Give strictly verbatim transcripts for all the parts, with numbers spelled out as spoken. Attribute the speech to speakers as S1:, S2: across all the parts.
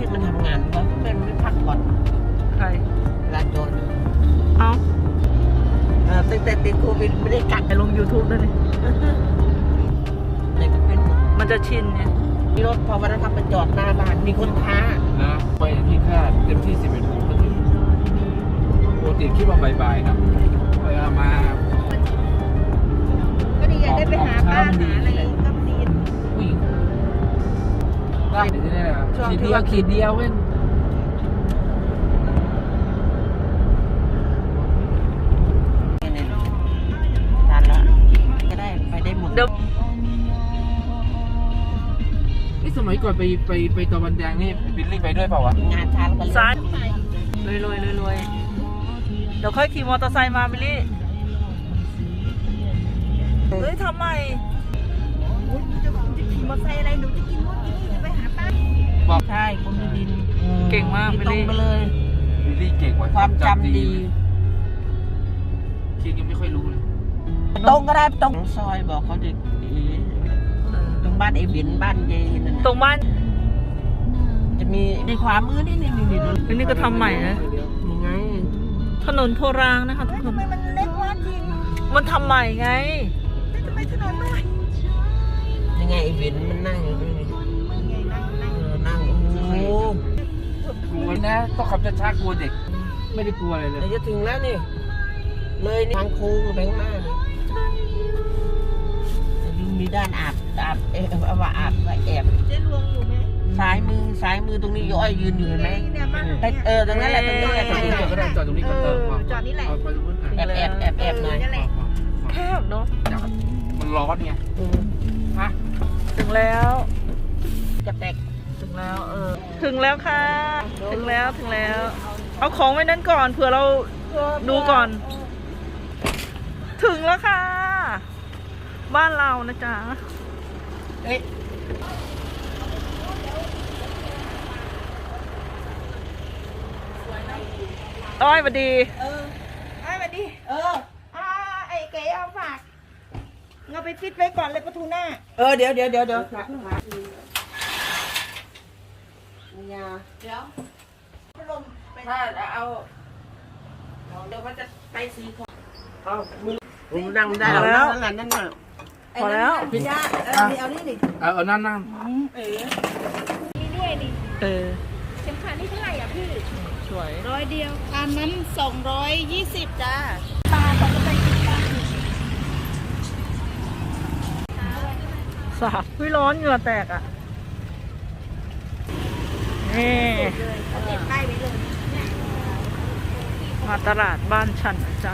S1: มันทำงานวะเป็นไม่พักผ่อน
S2: ใคร
S1: ลาโจน
S2: เอา
S1: ตั้งแต่ติดโควิดไม่ได้กัด
S2: ไปลง ยูทูบ ด้วยนี่
S1: ไหนก็เป็น
S2: มันจะชินไง
S1: มีรถพอวันนั้นทำไปจอดหน้าบ้านมีคนท้า
S3: นะไปที่คาดเต็มที่สิบเอ็ดโมงก็ถึงปกติคิดว่าบ่ายๆนะไปมา
S4: ก็ดีอยากได้ไปหาบ้านหาอะไรก็ดี
S3: ผู้หญิงได้เดี๋ยวจะได้ขีดเดียวขีดเดียวเว้น
S1: ทานแล้วก็ได้ไปได้หมด
S3: นี่สมัยก่อนไปไปไปตะวันแดงนี่บิลลี่ไปด้วยเปล่าวะ
S1: งานช้าแล้วก็
S2: ซ้ายรวยรวยรวยรวยเดี๋ยวค่อยขี่มอเตอร์ไซค์มาบิลลี่เฮ้ยทำไม
S4: จะขี่มอเตอร์ไซค์อะไรหนูจะกินนู่นกินนี่จะไปหาป้า
S1: บอกใช่คนมีดิน
S2: เก่งมากบิลลี่
S1: ไปเลย
S3: บิลลี่เก่งกว่า
S1: ความจำดี
S3: คิดยังไม่ค่อยรู้เลย
S1: ตรงก็ได้ตรงซอยบอกเขาดิตรงบ้านไอ้บินบ้านเยนนั่น
S2: ตรงบ้าน
S1: จะมีในขวามือนี่นี่นี่นี่
S2: นี่ก็ทำใหม่นะ
S1: ยังไง
S2: ถนนโพรางนะคะทุกคน
S4: ทำไมมันเล็กวะจริง
S2: มันทำใหม่ไง
S4: ทำไมถนนน้อย
S1: ยังไงไอ้บินมันนั่งอยู่นี่นั่งโอ้โห
S3: กลัวนะต้องขับช้าๆกลัวเด็กไม่ได้กลัวอะไรเลย
S1: จะถึงแล้วนี่เลยทางโค้งไปข้างหน้านี่มีด้านอาบอาบเออว่าอาบว่าแอบ
S4: เจ๊ลวงอยู่ไหม
S1: ซ้ายมือซ้ายมือตรงนี้ย้อยยืนอยู่เห็นไหมเออตรงนั้นแหละตรงนี้แหละตรงนี้
S3: จอดก็ได้จอดตรงนี้ก็เออ
S4: จอดนี่แหละ
S1: แอบแอบแอบแอบหน่อย
S2: แคบเนาะ
S3: มันร้อนไงฮะ
S2: ถึงแล้ว
S1: จะแตก
S2: ถึงแล้วเออถึงแล้วค่ะถึงแล้วถึงแล้วเอาของไว้นั้นก่อนเผื่อเราดูก่อนถึงแล้วค่ะบ้านเรานะจ๊ะเอ๊ะอ้อยสวัสดี
S4: เอออ้อยสวัสดีเอออ่าไอ้เก๋เอาฝากเงาไปฟิตไว้ก่อนเลยประตูหน้า
S1: เออเดี๋ยวเดี๋ยวเดี๋ยวเดี๋ยวเดี๋ยวถ้าเอาเดี๋ยวมันจะไปสีขาวเอามึงนั่งได้แล้วนั่นนั่นน่ะ
S2: พอแล้ว
S4: พี่ย่าเออเอานี่ดิ
S3: เออนั่นนั่ง
S4: เออนี่ด้วยดิ
S2: เออ
S4: เข็มขัดนี่เท่าไหร่อ่ะพี่
S2: สวย
S4: ร้อยเดียวอันนั้นสองร้อยยี่สิบจ้าปลาปลาจะไปกินปลา
S2: สาบวิร้อนเหงื่อแตกอ่ะนี่มาตลาดบ้านฉันนะจ๊ะ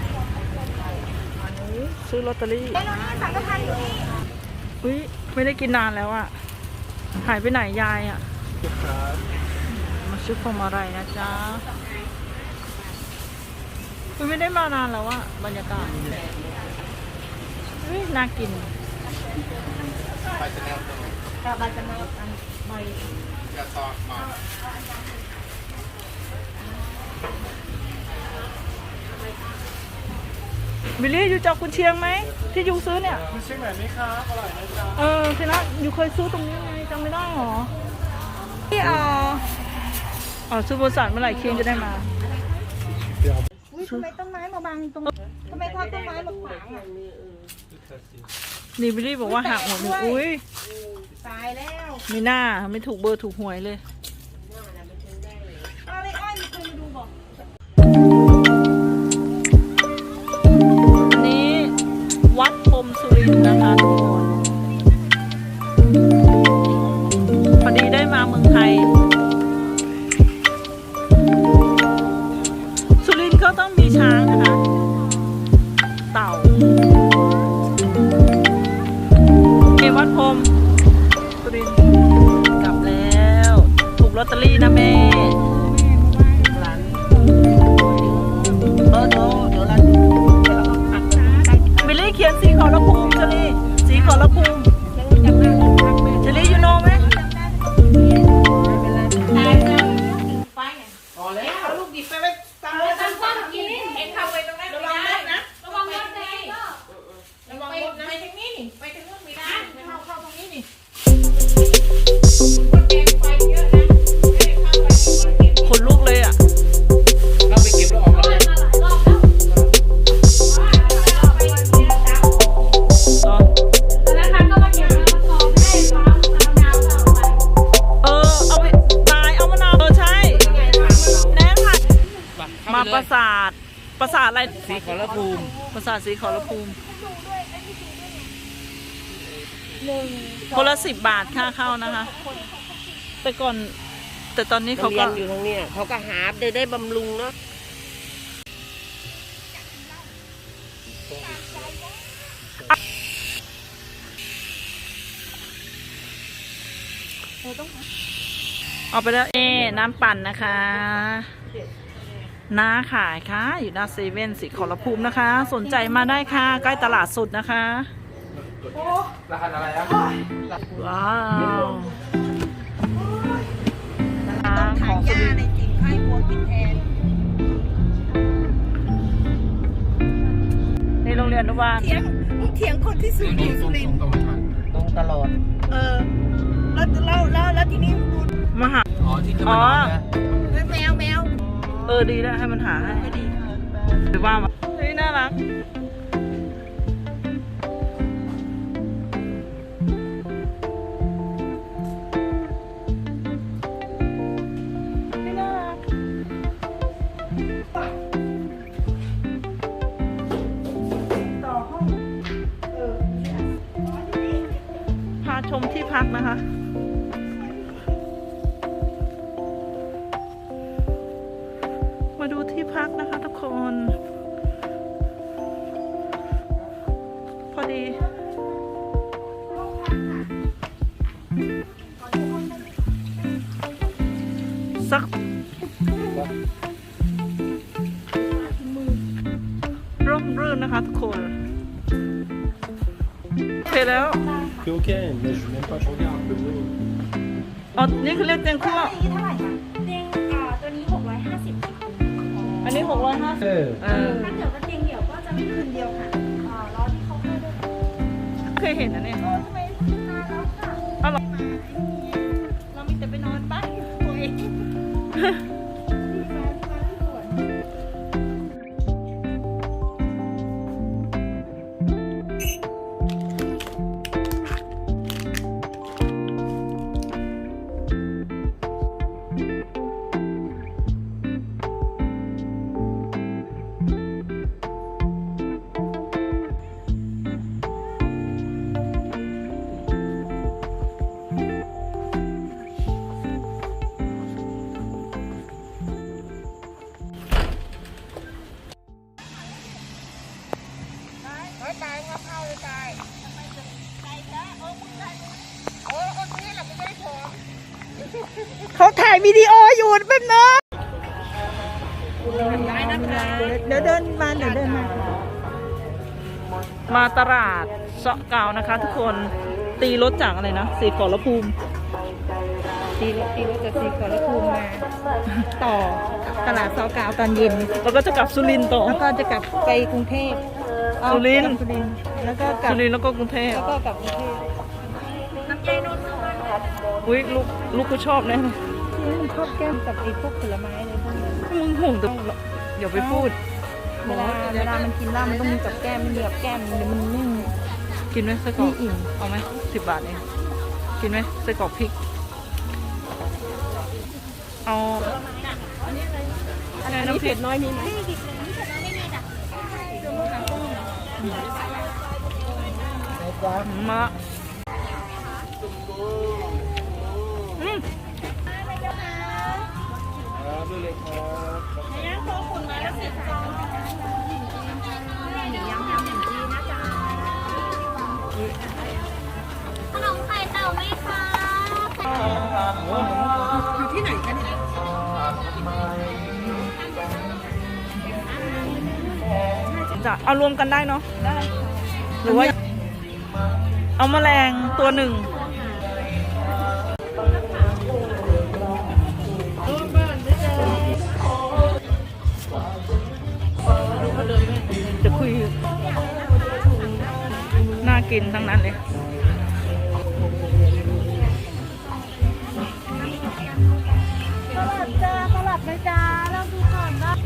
S2: ซื้อลอตเตอรี่อุ้ยไม่ได้กินนานแล้วอ่ะหายไปไหนยายอ่ะมาซื้อพวงมาลัยนะจ๊ะไม่ได้มานานแล้วอ่ะบรรยากาศน่ากิน
S3: ไปจะแนวตรง
S4: กับใบจะแนวอันใบ
S3: จะต่อมา
S2: บิลลี่อยู่จากกุนเชียงไหมที่ยูซื้อเนี่ย
S3: กุนเชียงไหนไหมครับอร่อยไหมจ๊ะ
S2: เออทีนั้นยูเคยซื้อตรงนี้ไงจำไม่ได้หรอที่อ๋ออ๋อซื้อบริษัทเมื่อไหร่เคียงจะได้มา
S4: อุ้ยทำไมต้นไม้มาบังตรงทำไมเขาต้นไม้มาขวางอ่ะ
S2: นี่บิลลี่บอกว่าหักหัวหนูอุ้ย
S4: ตายแล้ว
S2: ไม่น่าไม่ถูกเบอร์ถูกหวยเลย
S4: อะไรอ้อยมีคนมาดูบอก
S2: วัดพรมสุรินทร์นะคะทุกคนพอดีได้มาเมืองไทยสุรินทร์ก็ต้องมีช้างนะคะเต่าเกวัดพรมสุรินทร์กลับแล้วถูกลอตเตอรี่นะแม่
S1: หลานเออเดี๋ยวเดี๋ยวหลาน
S2: บิลลี่เขียนสีขอรภูมิเจลี่สีขอรภูมิเจลี่ยูโนไหม
S1: พอแล้วเอาลูกหยิบไปไว้ตั้งไว้ตั้งตั้งกินเอ็งเข้าไปตรงนั้นระวังรถนะระวังรถนะระวังรถนะไปทางนี้นี่ไปทางนู้นไม่ได้เข้าเข้าตรงนี้นี่คนแดงไฟเยอะนะ
S2: ปราสาทอะไร
S3: สีขอรภูมิ
S2: ปราสาทสีขอรภูมิ
S4: หนึ่ง
S2: คนละสิบบาทค่าเข้านะคะ แต่ก่อน แต่ตอนนี้เขา
S1: เรี
S2: ก็
S1: ยนอยู่ตรงเนี้ยเขาก็หาได้ได้บำรุงเนาะ
S2: เอาไปแล้วเอ๊น้ำปั่นนะคะน้าขายค่ะอยู่หน้าเซเว่นสีขอรภูมินะคะ สนใจมาได้ค่ะ ใกล้ตลาดสุดนะคะ
S3: รหัสอะไรอ่ะ
S2: ว้าว
S4: ต้องทานยาในจิ๋มให้วัวกินแทน
S2: ในโรงเรียนอนุบาล
S4: เถียงเถียงคนที่สุรินทร์สุรินทร์
S3: ตรงมา
S1: ตรงตลอด
S4: เออแล้วแล้วแล้วแล้วทีนี้
S2: มหา
S3: อ๋อที่จะมานอนนะ
S4: แมวแมว
S2: เออดีแล้วให้มันหาให้หรือว่ามาเฮ้ยน่ารักนี่น่ารักต่อห้องเออพาชมที่พักนะคะ มาดูที่พักนะคะทุกคน พอดีสักร่มรื่นนะคะทุกคนโอเคแล้ว
S3: คือโอเคmais je n'aime pas changer un peu mieux
S2: อ๋อนี่คือเรียกเตียงคู่
S4: นี่เท่าไหร่คะเตียงอ่าตัวนี้หกร้อยห้าสิบ
S2: อันนี้หกร้อยห้าสิบ
S3: เออ
S2: เออ
S4: ถ้าเกิดว่าเตียงเดี่ยวก็จะไม่คืนเดียวค่ะอ่ารอที่เขาให้ด้วย
S2: เคยเห็นนะเนี่ย
S4: โอ้ทำไมนานแล้วค่ะ
S2: เอาหรอ
S4: มาเรามีแต่ไปนอนบ้านตัวเองที่มาที่สวน
S2: เขาถ่ายวิดีโออยู่แป๊บนึง
S4: ได้นะคะเดี๋ยวเดินมาเดี๋ยวเดินมา
S2: มาตลาดเสาะเกานะคะทุกคนตีรถจากอะไรนะสีขอรภูมิ
S4: ตีรถตีรถจากสีขอรภูมิมาต่อตลาดซอกาวตอนเย็น
S2: แล้วก็จะกลับสุรินทร์ต่อ
S4: แล้วก็จะกลับไปกรุงเทพ
S2: สุรินทร์
S4: สุรินทร์แล้วก็กลับ
S2: สุรินทร์แล้วก็กรุงเทพ
S4: แล้วก็กลับกรุงเทพน้ำใจนนท์
S2: อุ้ยลูกลูกกูชอบแน่เลย
S4: นี่มันชอบแก้มกับไอ้พวกผลไม้เลยพวกนี้
S2: มึงห่วงแต่อย่าไปพูด
S4: เวลาเวลามันกินเหล้ามันต้องมีกับแก้มมันมีกับแก้มเดี๋ยวมันไม่
S2: กินไหมไส้กรอก
S4: ไม่อิ่ม
S2: เอาไหมสิบบาทเองกินไหมไส้กรอกพริกเอาอะไรน้ำเผ็ดน้อยมีไหมมาอืม
S3: ครับด้วยเลยครับ
S5: ขนมไข่เต่าไหมคะ
S4: อยู่ที่ไหนกันเนี่ย
S2: จะเอารวมกันได้เนาะหรือว่า เอาแมลงตัวหนึ่งจะคุยน่ากินทั้งนั้นเลย
S4: สลัดจ้าสลัดไหมจ้าเราดูก่อนนะ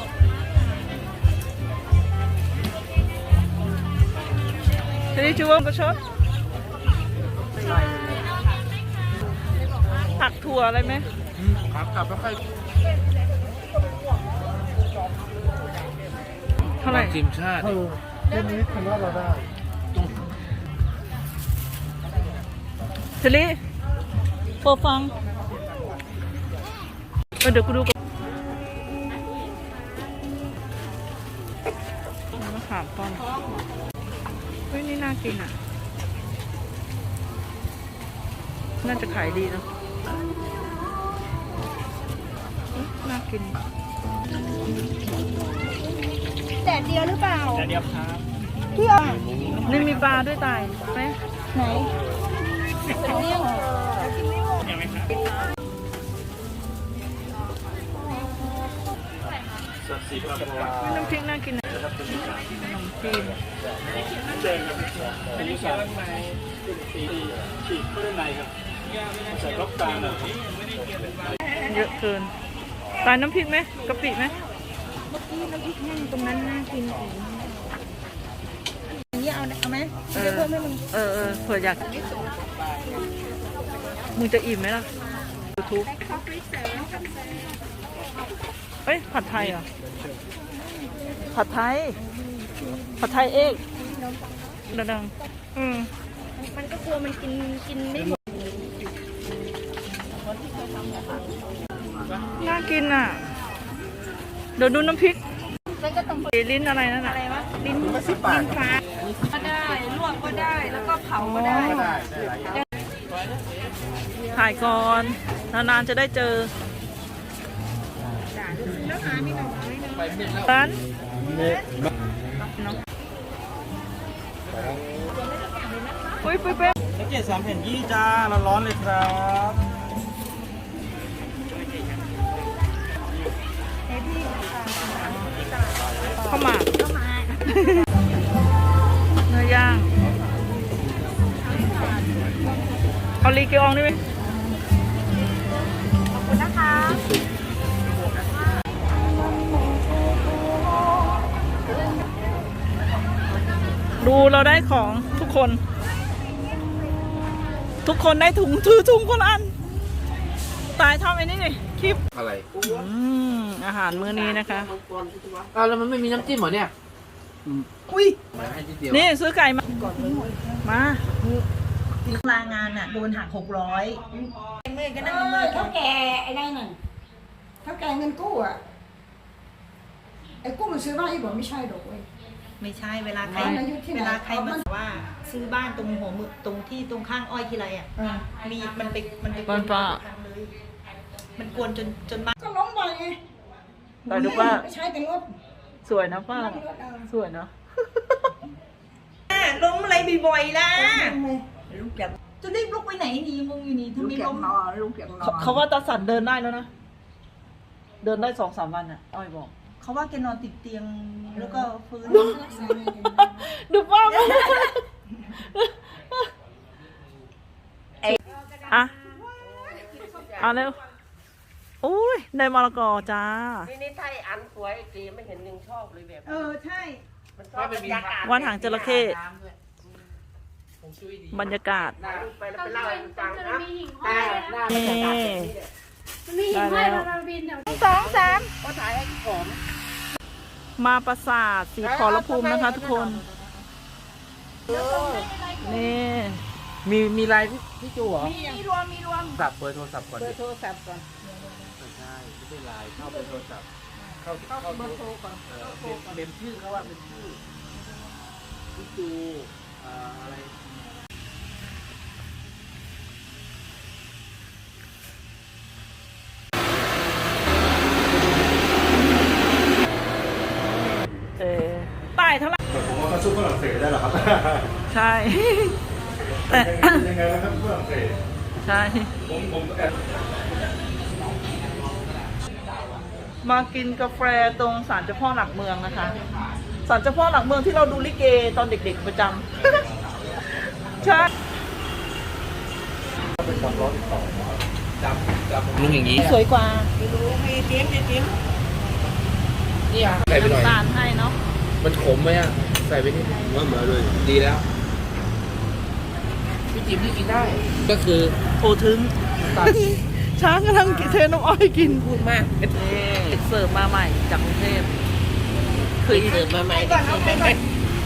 S2: ทีนี้ชื่อว่าประชดผักถั่วอะไรไหม
S3: ครับกลับแล้วค่อย
S2: ท่าไหร่
S3: ทีมชาติ
S2: เชลีเปิดฟังเออเดี๋ยวกูดูก่อนมะขามป้อมเฮ้ยนี่น่ากินอ่ะ น่าจะขายดีเนอะน่ากิน
S4: แดดเดียวหรือเปล่า
S3: เดียวครับ
S4: พี่อ่ะ
S2: นี่มีปลาด้วยตายไหม
S4: ไหนเลี้ยง
S2: น้ำพริกน่ากินนะขนมจีน
S3: อันนี้สามในสีฉีกเข้าด้านในครับใส่ล็อกกลาง
S2: เยอะเกินตายน้ำพริกไหมกะปิไหม
S4: เมื่อกี้น้ำพริกแห้งตรงนั้นน่ากินอีกอย่างนี้เอาเอาไหมเดี๋ยวเพิ่มให้มึง
S2: เออเออเผื่ออยากมึงจะอิ่มไหมล่ะยูทูบเอ้ยผัดไทยเหรอผัดไทยผัดไทยเอกดังๆอืม
S4: มันก็กลัวมันกินกินไม่หมด
S2: น่ากินอ่ะเดี๋ยวดูน้ำพริก
S4: มันก็ต้อง
S2: ลิ้นอะไรนั่นน่ะ
S4: อะไรวะลิ้นลิ้นฟ้าก็ได้ลวกก็ได้แล้วก็เผาก็ได้
S2: ถ่ายก่อนนานๆจะได้เจอ
S4: แล้วหามีหน่อไม้นะ
S3: ไปเม็ดแล้ว
S2: ร้าน ปุ้ยปุ้ยเป๊ะ
S6: แพ็กเกจสามแผ่นยี่จ้าร้อนๆเลยครับ
S2: ข้าวหมากเนื้อย่างเอาลีเกียวองได้ไหม
S4: ขอบคุณนะคะ
S2: ดูเราได้ของทุกคน ทุกคนได้ถุงถือถุงคนละอัน ตายทำไอ้นี่นี่คลิป
S3: อะไร
S2: อืมอาหารมื้อนี้นะคะ
S3: อ้าวแล้วมันไม่มีน้ำจิ้มเหรอเนี่ย
S2: อุ้ย
S3: มาให้นิดเดียว
S2: นี่ซื้อไก่มา มา
S4: ลางานอ่ะโดนหักหกร้อยเมื่อก็นั่งเมื่อเท่าแก่ไอ้นั่นน่ะเท่าแก่เงินกู้อ่ะไอ้กู้มันซื้อบ้านอีกบอกไม่ใช่ดอกเว้ย
S7: ไม่ใช่เวลาใคร
S4: บ้านอายุที่ไหน
S7: เวลาใครมาว่าซื้อบ้านตรงหัวมือตรงที่ตรงข้างอ้อยทีไรอ่ะ
S4: อ่า
S7: มีมันไปมันไป
S2: บ้านป้า
S7: ทางเลยมันกวนจนจนบ้าน
S4: ก็ล้มบ่อยไง
S2: แต่ดูว่า
S4: ไม่ใช่แต่รถ
S2: สวยนะป้า
S4: รถเออ
S2: สวยเนาะ
S7: ล้มอะไรบ่อยๆล่ะ
S4: ลูกจาก
S7: จะรีบลุกไปไหนดีมึงอยู่นี่ทำ
S4: ลูก
S7: ไม
S4: จาก
S7: ล้ม
S4: นอนลูกจากนอ
S2: เขา
S4: น
S2: เขาว่าตาสันเดินได้แล้วนะ เดินได้สองสามวันอ่ะ อ้อยบอก
S7: เขาว่าแกนอนติดเตียงแล้วก็ฟื้น
S2: ดูป้ามาอ่ะเอาเร็วอุ้ยได้มะละกอจ้า
S1: นี่นี่ไทยอันสวยสีไม่เห็นยังชอบเลยแบบ
S4: เออใช่
S1: มันชอบบรรยากาศ
S2: วันหางจระเข้
S3: ผมช่วยดี
S2: บรรยากาศ
S1: ถ่ายรูปไปแล้วไปเล่าให้ฟังนะ
S5: มีหิ่งห้อย
S1: หน้าบรรยากาศแบบนี้เนี่ย
S5: มีหิ่งห้อยเราบินเดี๋ยว
S4: สองสาม
S1: ก็ถ่ายให้หอม
S2: มาปราสาทสีขอรภูมินะคะทุกคน นี่
S3: มีมีไลน์พี่พี่จูเหรอ
S4: มีรวมมีรวม
S3: สับเบอร์โทรศัพท์ก่อน
S4: เบอ
S3: ดิ
S4: ร์โทรศัพท์ก่อน
S3: ไม่ใช่ไม่ใช่ไลน์เข้าเบอร์โทรศัพท์เข้าเข้าเบอร์โทรก่อนเออเป็นเป็นชื่อเขาว่าเป็นชื่อพี่จูอ่าอะไร
S2: เออตายเท่าไหร่
S6: ผมว่าเขาสู้ฝรั่งเศสได้หรอครับ
S2: ใช่ แต่
S6: ยังไงนะครับฝรั่งเศส
S2: ใช่
S6: ผมผมแอบ
S2: มากินกาแฟตรงศาลเจ้าพ่อหลักเมืองนะคะ ศาลเจ้าพ่อหลักเมืองที่เราดูลิเกตอนเด็กๆประจำ ใช่
S3: จับจับลุงอย่างนี้
S2: สวยกว่า
S3: นี่อ่ะใส่ไปหน่อย
S2: น้ำตาลให้เนาะ
S3: มันขมไหมอ่ะใส่ไปนิดว่าเหมือนเลยดีแล้วพี่จิ๋มที่กินได้ ก็คือ
S2: โอถึง
S3: ตัด
S2: ช้างกำลังเทน้ำอ้อยกิน
S1: พูดมาก
S2: นี่เสิร์ฟมาใหม่จากกรุงเทพคืออีก
S1: เดินมาใหม่
S4: ก่อนเอาไปก่อน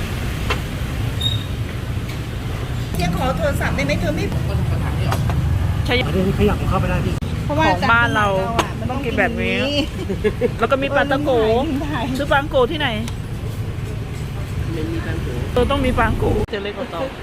S4: เที่ยงขอโทรศัพท์ได้ไหมเธอไม่
S2: ใช้
S6: เดี๋ยวขยับเข้าไปได้พี่
S4: เพราะว่า
S2: ของบ้านเราต้องกินแบบนี้ แล้วก็มีปลาตะโกซื้อปลาตะโกที่ไหน
S1: ไม่มีการถู
S2: เออต้องมีปลาตะโกจะเล็กกว่าเตา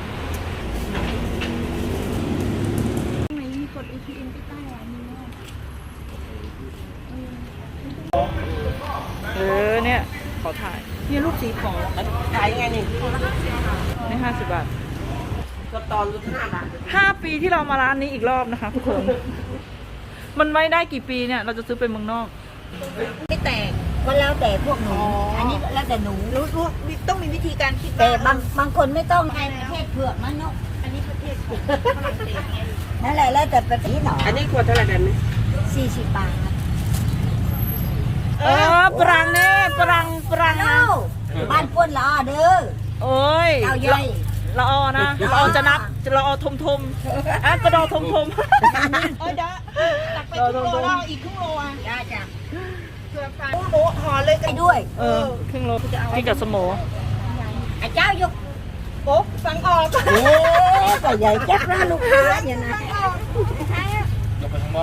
S2: เออเนี่ยขอถ่ายนี่ลูกสีขอ
S1: ขายยังไงนี่
S2: นี่ห้าสิบบาท
S1: ก็ตอนรุ่นห้าบาท
S2: ห้าปีที่เรามาร้านนี้อีกรอบนะคะทุกคน มันไม่ได้กี่ปีเนี่ยเราจะซื้อไปเมืองนอก
S7: ไม่แตกก็แล้วแต่พวกหนู อันนี้แล้วแต่หนู
S4: รู้รู้ต้องมีวิธีการคิด
S7: แต่บางบางคนไม่ต้องในประเทศเผือกมันเนาะ
S4: อันนี้ประเทศฝรั่งเศสไง
S7: นั่นแหละแล้วแต่ประเทศหนอ
S1: อันนี้ขวดเท่าไหร่แบบนี้
S7: สี่สิบบาท
S2: เออปรังเน่ปรังปรัง
S7: เอ้าบ้านป้วนละเด้อ
S2: โอ้ย
S7: เจ้าใหญ่
S2: เราเอานะเราเอาจะนับเราเอาทมทมๆอ่ะกระดอทมทม
S4: เออเดี๋ยวตักไปครึ่งโลแล้วอีกครึ่งโลอ่ะ
S7: จ้าจ้า
S4: เพื่อฟังโอ้ห่อเลย
S7: ไปด้วย
S2: เออครึ่งโลกินกับสมอ
S7: ไอ้เจ้ายก
S4: โป๊กฟังออก
S7: เอ๊ะก็ใหญ่จักนะลูกค้าอย่างนั้น
S3: ยกไปข้างนอก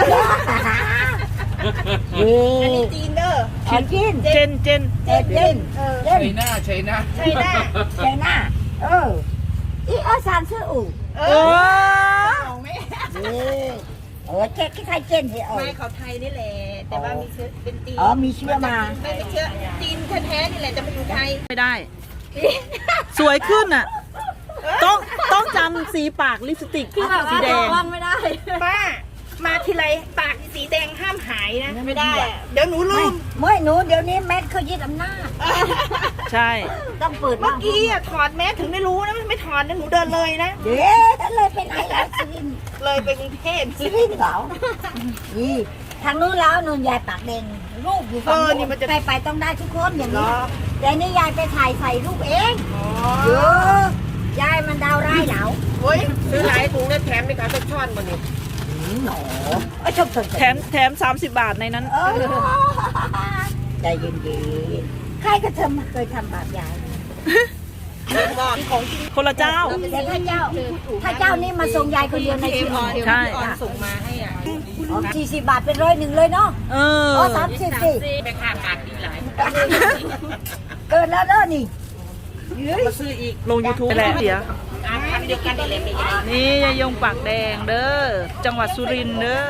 S7: นี่
S4: อันนี้จีนเด้อ
S7: เอากิน
S2: เจนเจน
S7: เจ็ดเจ็ดเจ็ด
S3: ใช่หน้าใช่หน้า
S4: ใช่หน้า
S7: ใช่หน้าเอออีเอาสารซื้ออู่
S4: เอ
S2: เอ
S4: อ
S2: อ
S4: เอาไหม
S7: นี่เออเจ๊ใครเจนเหรอ
S4: ไม่เขาไทยนี่แหละ แต่ว่ามีเชื้อเป็นจีน
S7: อ๋อมีเชื้อมา
S4: ไม่เป็นเชื้อจีนแท้ๆนี่แหละจะมาอยู่ไทย
S2: ไม่ได้ สวยขึ้นอ่ะ ต้องต้องจำสีปากลิปสติกสีแดง
S7: ไม่ได้
S4: ป้ามาทีไรปากสีแดงห้ามหายนะไม่ได้อะเดี๋ยวหนูลื
S7: ไม่
S4: ม
S7: ไม่หนูเดี๋ยวนี้แมทเขายึดอำนาจ
S2: ใช่
S7: ต้องเปิด
S4: เมื่อกี้อะถอดแมสถึงได้รู้นะไม่ถอดนะหนูเดินเลยนะ
S7: เดี๋ยวเลยไปไหนแล้วสิริน
S4: เลยไปกรุงเทพ
S7: สิรินเหรอนี่ทางนู้นแล้วนนยายปากแดงรูปอยู่ฝั่งนู้นใครไปต้องได้ทุกคนอย่างนี้แต่นี่ยายไปถ่ายใส่รูปเองเยอะยายมันดาวร้ายเหลา
S1: โอ้ยซื้อหลายถุงแล้วแถมในการต้นช่อนมาเนี่ย
S7: หนอไอ้ชมชม
S2: แถมแถมสามสิบบาทในนั้น
S7: เออใจเย็นๆใครก็เธอมาเคยทำบาปยาย
S4: ของจริง
S2: คนละเจ้า
S7: แต่ถ้าเจ้า ถ้าเจ้านี่มาส่งยายคนเดียวในชีวิต
S2: ใช่
S4: ส่งมาให้อ่ะ
S7: สี่สิบบาทเป็นร้อยหนึ่งเลยเนาะ
S2: เออ
S7: อ๋อสามสิบสิ
S1: ไปค่าปากดีหลาย
S7: เกินแล้วเด้อนี่
S1: มาซื้ออีก
S2: ลง YouTube แหละเสีย
S1: อาทำเดียวกันนี่แหละไม่ใช่
S2: นี่ยายงปากแดงเด้อ จังหวัดสุรินทร์เด้อ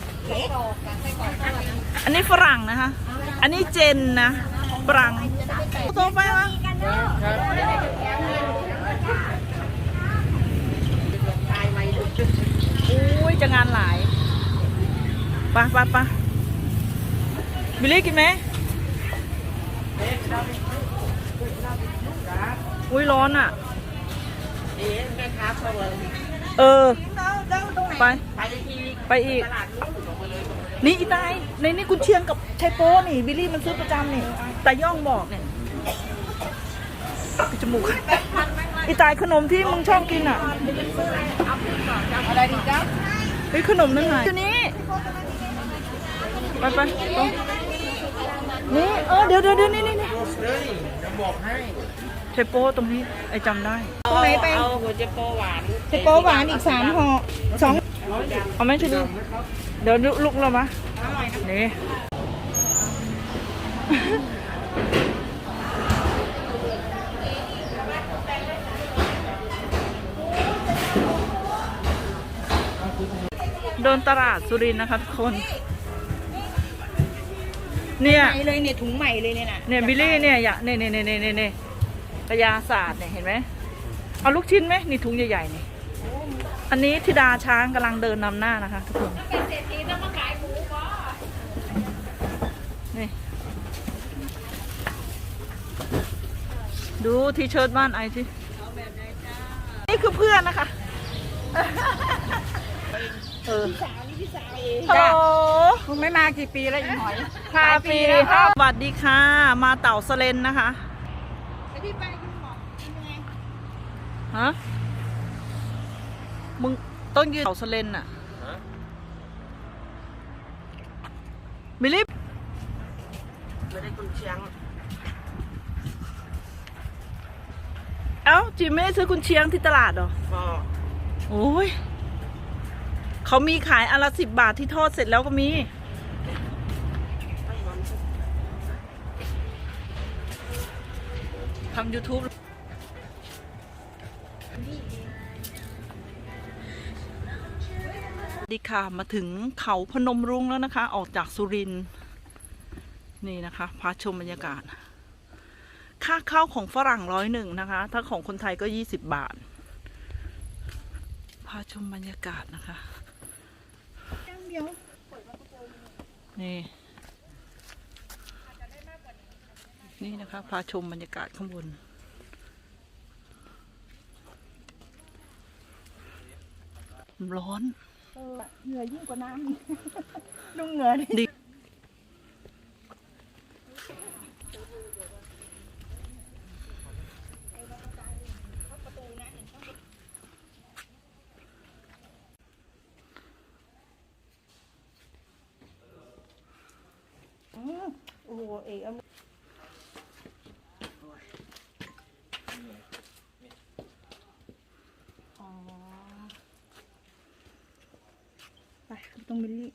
S2: อันนี้ฝรั่งนะคะ อันนี้เจนนะ ฝรั่งโตไปวะอุ้ยจะงานหลายไปะปะปะบิลลี่กินไหมอุ้ยร้อนอ่ะ
S1: เอ๊ะแม่ค้าเขาเลย
S2: เออ ไป
S1: ไปที
S2: ไปอีก
S1: ตลาดนู้นบอกมาเลย
S2: นี่อีตาย ในนี่กุนเชียงกับชัยโป้นี่ บิลลี่มันซื้อประจำนี่แต่ย่องบอกเนี่ยปิดจมูกอีตายขนมที่มึงชอบกินอ่ะ
S4: อะไรดีจ๊ะ
S2: เฮ้ยขนมนั่นไงตัวนี้ ไปไปตรงนี่เออเดี๋ยวเดี๋ยวเดี๋ยวนี่นี่นี่
S3: เฮ้ยจะบอกให้
S2: ชัยโป้ตรงนี้ไอจำได้
S4: ตรงไหนไป
S1: เอาหัวเจโปหวาน
S4: เจโปหวานอีกสามห่อสอง
S2: เอาไหมช่วยดูเดี๋ยวลุกเรามานี่เดินตลาดสุรินทร์นะคะทุกคน เนี่ย
S4: ใหม่เลยเนี่ยถุงใหม่เลยเนี่ยนะ
S2: เนี่ยบิลลี่เนี่ยอย่าเนี่ยเนี่ยเนี่ยเนี่ยเนี่ยกระยาศาสตร์เนี่ยเห็นไหมเอาลูกชิ้นไหมนี่ถุงใหญ่ๆนี่อันนี้ธิดาช้างกำลังเดินนำหน้านะคะทุกคนนี่ดูทีเชิร์ตบ้านไอสินี่คือเพื่อนนะคะเออฮัลโหล
S4: คุณไม่มากี่ปีแล้วอีหอย
S2: ห้าปีค่ะสวัสดีค่ะ มาเต่าสเลนนะคะ
S4: ไอพี่ไปคุณหมอเป็นยังไง
S2: ฮะ มึงต้องยืนเต่าสเลนน่ะมิลิฟ
S1: ไม่ได้กุนเชียง
S2: อ้าจิมไม่ได้ซื้อกุนเชียงที่ตลาดเหรอ
S1: ก็
S2: โอ้ยเขามีขายอันละสิบบาทที่ทอดเสร็จแล้วก็มีทำ YouTube สวัสดีค่ะมาถึงเขาพนมรุ้งแล้วนะคะ ออกจากสุรินทร์นี่นะคะพาชมบรรยากาศ ค่าเข้าของฝรั่งร้อยหนึ่งนะคะ ถ้าของคนไทยก็ยี่สิบบาท พาชมบรรยากาศนะคะนี่นี่นะคะพาชมบรรยากาศข้างบนร้อน
S4: เหงื่อยิ่งกว่าน้ำนุ่งเหงื่อดิ
S2: ดิ
S4: โอ้โหเอ๋เอาอ๋อไปต้องมิลลี่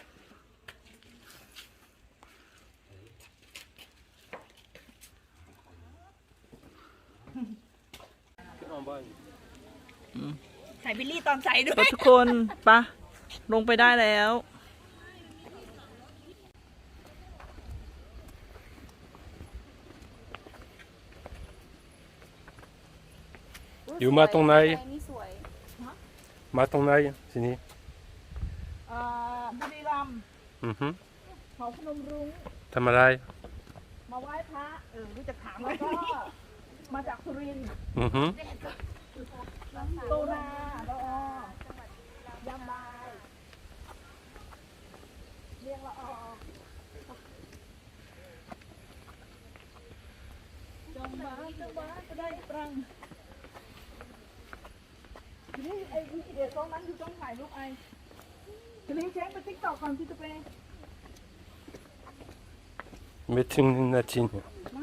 S4: ใส่บิลลี่ตอนใส่ด้วย
S2: ทุกคนปะลงไปได้แล้ว
S6: อยู่มาตรงไหนมาตรงไหนทีนี้
S2: อ่าบุรีรัมย์
S6: อือฮึ
S2: เขาพนมรุ้ง
S6: ทำอะไร
S2: มาไหว้พระเออรู้จักถามแล้วก็มาจากสุรินทร์
S6: อือฮึ
S2: โตนาละออยำบายเรียงละออจงบ้านจงบ้านก็ได้ปรังทีนี้ไอ้วิธีเด็ดตรงนั้นคือต้องถ่ายรูปไอ้ทีนี้เช็คไปติ๊กต็อกก่อนที่จะไป
S6: ไม่ถึงหนึ่งนาทีเนี่ย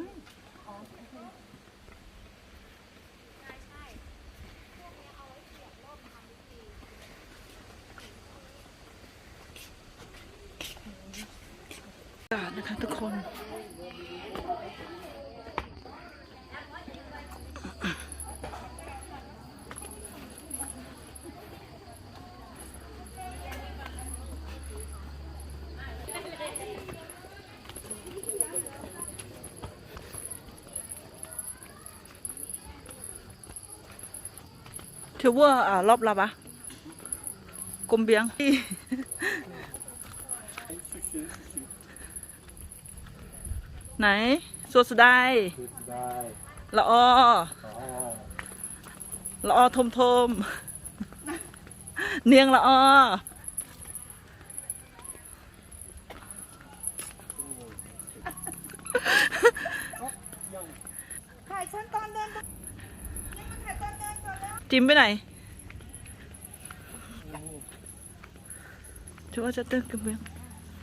S2: อากาศนะคะทุกคนเทเวอร์อ่ารอบลับอะกลมเบียง ไหนสวดสุดได้ละออละออทมทมเนียงละออ
S4: ถ่ายฉันตอนเดินถ่ายตอนเดินก่อนแล้ว
S2: จิมไปไหนชัวร์จะเติมกระเบื้อง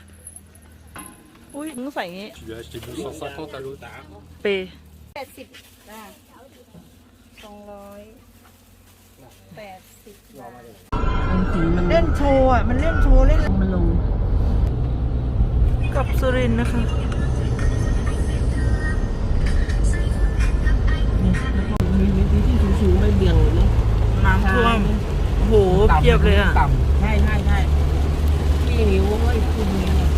S2: อุ้ยมึงใส่อย่างงี้
S6: Tu as acheté deux cent cinquante à l'autre.
S2: เป
S4: แปดสิบนะสองร้อยแปดสิบบาทเล่นโชว์อ่ะ มันเล่นโชว์เล่นมันลง
S2: กับสุรินทร์นะคะ
S1: มีวิธีที่สูงๆไม่เบี่ยงนะ
S2: น้ำท่วมโอ้โหเพียบเลยอ่ะ
S1: ใช่ใช่ใช่ที่นิ้วไอ้คุณนิ้ว